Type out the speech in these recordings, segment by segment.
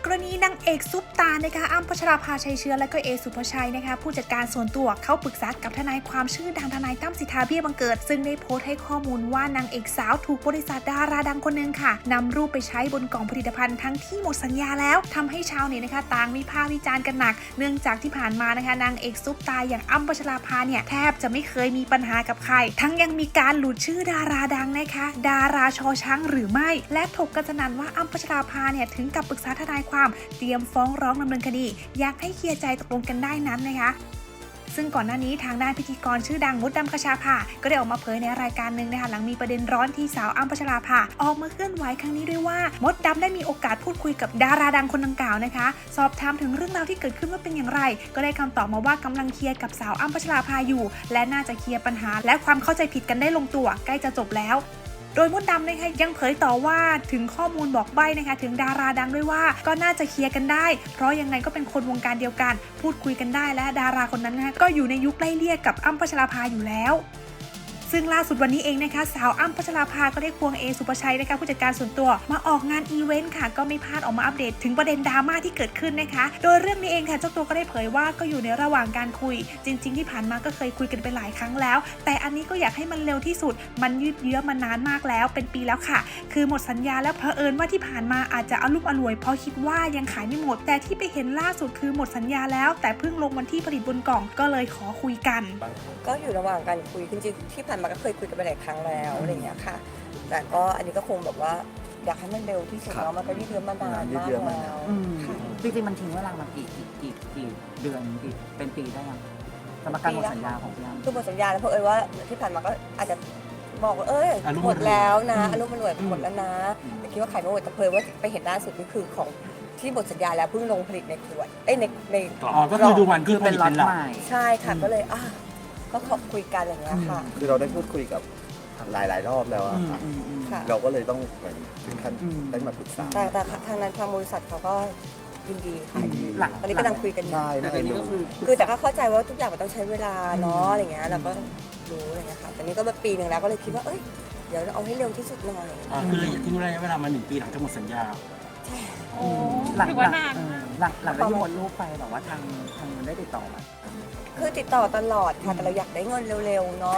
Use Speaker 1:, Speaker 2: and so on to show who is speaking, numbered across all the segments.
Speaker 1: กรณีนางเอกซุปตานะคะอ้ำพัชราภาชัยเชื้อและก็เอสุภชัยนะคะผู้จัดการส่วนตัวเข้าปรึกษากับทนายความชื่อดังทนายตั้มสิทธาเบี้ยบังเกิดซึ่งได้โพสต์ให้ข้อมูลว่านางเอกสาวถูกบริษัทดาราดังคนนึงค่ะนำรูปไปใช้บนกล่องผลิตภัณฑ์ทั้งที่หมดสัญญาแล้วทำให้ชาวเน็ตนะคะต่างวิพากษ์วิจารณ์กันหนักเนื่องจากที่ผ่านมานะคะนางเอกซุปตาอย่างอ้ำพัชราภาเนี่ยแทบจะไม่เคยมีปัญหากับใครทั้งยังมีการหลุดชื่อดาราดังนะคะดาราชอช้างหรือไม่และถกกันสนั่นว่าอ้ำพัชราภาเนี่ยถึงกับปรึกษาทนายความเตรียมฟ้องร้องดำเนินคดีอยากให้เคลียร์ใจตกลงกันได้นั้นนะคะซึ่งก่อนหน้านี้ทางด้านพิธีกรชื่อดังมดดำคชาภาก็ได้ออกมาเผยในรายการหนึ่งนะคะหลังมีประเด็นร้อนที่สาวอ้ำพัชราภาออกมาเคลื่อนไหวครั้งนี้ด้วยว่ามดดำได้มีโอกาสพูดคุยกับดาราดังคนดังกล่าวนะคะสอบถามถึงเรื่องราวที่เกิดขึ้นว่าเป็นอย่างไรก็ได้คำตอบมาว่ากำลังเคลียร์กับสาวอ้ำพัชราภาอยู่และน่าจะเคลียร์ปัญหาและความเข้าใจผิดกันได้ลงตัวใกล้จะจบแล้วโดยมดดำนะคะยังเผยต่อว่าถึงข้อมูลบอกใบ้นะคะถึงดาราดังด้วยว่าก็น่าจะเคลียร์กันได้เพราะยังไงก็เป็นคนวงการเดียวกันพูดคุยกันได้และดาราคนนั้นนะคะก็อยู่ในยุคไล่เลี่ยกับอ้ำพัชราภาอยู่แล้วซึ่งล่าสุดวันนี้เองนะคะสาวอ้ำพัชราภาก็ได้ควงเอสุภชัยนะคะผู้จัดการส่วนตัวมาออกงานอีเวนต์ค่ะก็ไม่พลาดออกมาอัปเดตถึงประเด็นดราม่าที่เกิดขึ้นนะคะโดยเรื่องนี้เองค่ะเจ้าตัวก็ได้เผยว่าก็อยู่ในระหว่างการคุยจริงๆที่ผ่านมาก็เคยคุยกันไปหลายครั้งแล้วแต่อันนี้ก็อยากให้มันเร็วที่สุดมันยืดเยื้อมานานมากแล้วเป็นปีแล้วค่ะคือหมดสัญญาแล้วเผอิญว่าที่ผ่านมาอาจจะอลุ่มอล่วยเพราะคิดว่ายังขายไม่หมดแต่ที่ไปเห็นล่าสุดคือหมดสัญญาแล้วแต่เพิ่งลงวันที่ผลิตบนกล่องก็เลยขอคุยกัน
Speaker 2: ก็อยู่ระหว่างการคุยจริงๆที่ผ่านมาก็เคยคุยกันไปหลายครั้งแล้วอะไรอย่างเงี้ยค่ะแต่ก็อันนี้ก็คงแบบว่าอยากให้มันเร็วที่สุดเนาะมันก็ยืดเยื้อมานานมากแล้ว
Speaker 3: จริงๆมันทิ้งเวลามากี่เดือนเป็นปีได้ยังสำหรับการหมดสัญญาของพี่อ้ำ
Speaker 2: คือหมดสัญญาแล้วเพราะว่าที่ผ่านมาก็อาจจะบอกว่าหมดแล้วนะอารมณ์มันรวยหมดแล้วนะแต่คิดว่าขายไม่หมดแต่เพยว่าไปเห็นล่าสุดนี่คือของที่หมดสัญญาแล้วเพิ่งลงผลิตในขวดใน
Speaker 4: ก็คือดูวันคือเป็นล็อตใหม่
Speaker 2: ใช่ค่ะก็เลยก็ขอคุยกันอย่างเงี้ยค่ะ
Speaker 5: คือเราได้พูดคุยกับหลายรอบแล้วอะค่ะเราก็เลยต้องเหมือนถึงขั้นได้มาปรึกษา
Speaker 2: แต่ทางนั้นทางบริษัทเขาก็ยินดีค่ะตอนนี้กำลังคุยกันอยู่
Speaker 5: แต่ตอนนี้ก็
Speaker 2: คือแต่ก็เข้าใจว่าทุกอย่างมันต้องใช้เวลาเนาะอะไรเงี้ยเราก็รู้อะไรเงี้ยค่ะแต่นี้ก็มาปีนึงแล้วก็เลยคิดว่าเดี๋ยวเราเอาให้เร็วที่สุดหน่อย
Speaker 4: คือทิ้งระยะเวลามา1 ปีหลังจากหมดสัญญา
Speaker 3: หลังจากที่หมดรูปไปแบบว่าทางมันได้ติดต่อมา
Speaker 2: คือติดต่อตลอดค่ะแต่เราอยากได้เงินเร็วๆเนาะ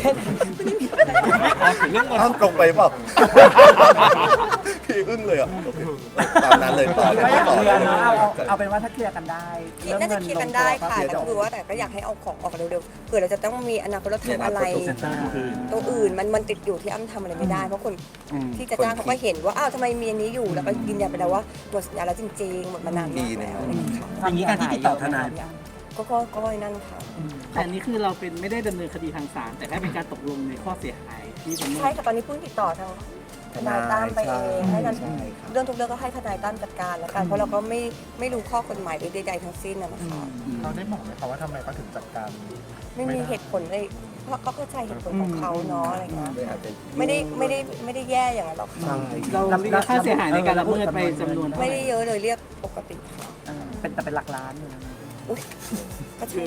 Speaker 5: ห้ามตรงไปเปล่าพี่อึ้งเลยอ่ะตามนั้นเลยต่อ
Speaker 3: เอาเป็นว่าถ้าเคลียร์กันได้
Speaker 2: น่าจะเคลียร์กันได้ค่ะแต่คือว่าแต่ก็อยากให้เอาของออกเร็วๆเผื่อเราจะต้องมีอนาคตเราทำอะไรตัวอื่นมันติดอยู่ที่อ้ำทำอะไรไม่ได้เพราะคนที่จะจ้างเขาก็เห็นว่าทำไมมีอันนี้อยู่แล้วก็ยืนยันไปแล้วว่าหมดสัญญาแล้วจริงๆหมดมานานมากแล้ว
Speaker 4: อย่างนี้การที่ติดต่อทนาย
Speaker 2: ก็นั่นค่ะ
Speaker 6: แต่อันนี้คือเราเป็นไม่ได้ดำเนินคดีทางศาลแต่แค่เป็นการตกลงในข้อเสียหายที่ผม
Speaker 2: ใช่ค่ะตอนนี้เพิ่งติดต่อทางทนายตั้มไปเองให้กันเรื่องทุกเรื่องก็ให้ทนายตั้มจัดการแล้วกันเพราะเราก็ไม่รู้ข้อกฎหมายใดๆทั้งสิ้นนะคะ
Speaker 5: เราได้บอกไหมคะว่าทำไมเขาถึงจัดการ
Speaker 2: ไม่มีเหตุผลเลยเพราะเขาเข้าใจเหตุผลของเขาเนาะอะไรเงี้ยไม่ได้แย่อย่างนั้นหรอกค่ะ
Speaker 6: เราค่าเสียหายในการละเมิดไปจำนวน
Speaker 2: ไม่ได้เยอะเลยเรียกปกติค่ะ
Speaker 3: เป็นหลักล้านอยู่นะ
Speaker 2: ก็ใช่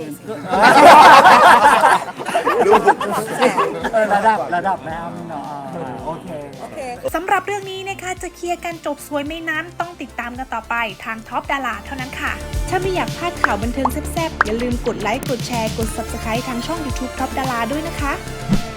Speaker 3: ระดับแม่เนาะโอเค
Speaker 1: สำหรับเรื่องนี้นะคะจะเคลียร์กันจบสวยไม่นั้นต้องติดตามกันต่อไปทางท็อปดาราเท่านั้นค่ะถ้าไม่อยากพลาดข่าวบันเทิงแซ่บๆอย่าลืมกดไลค์กดแชร์กด Subscribe ทางช่อง YouTube ท็อปดาราด้วยนะคะ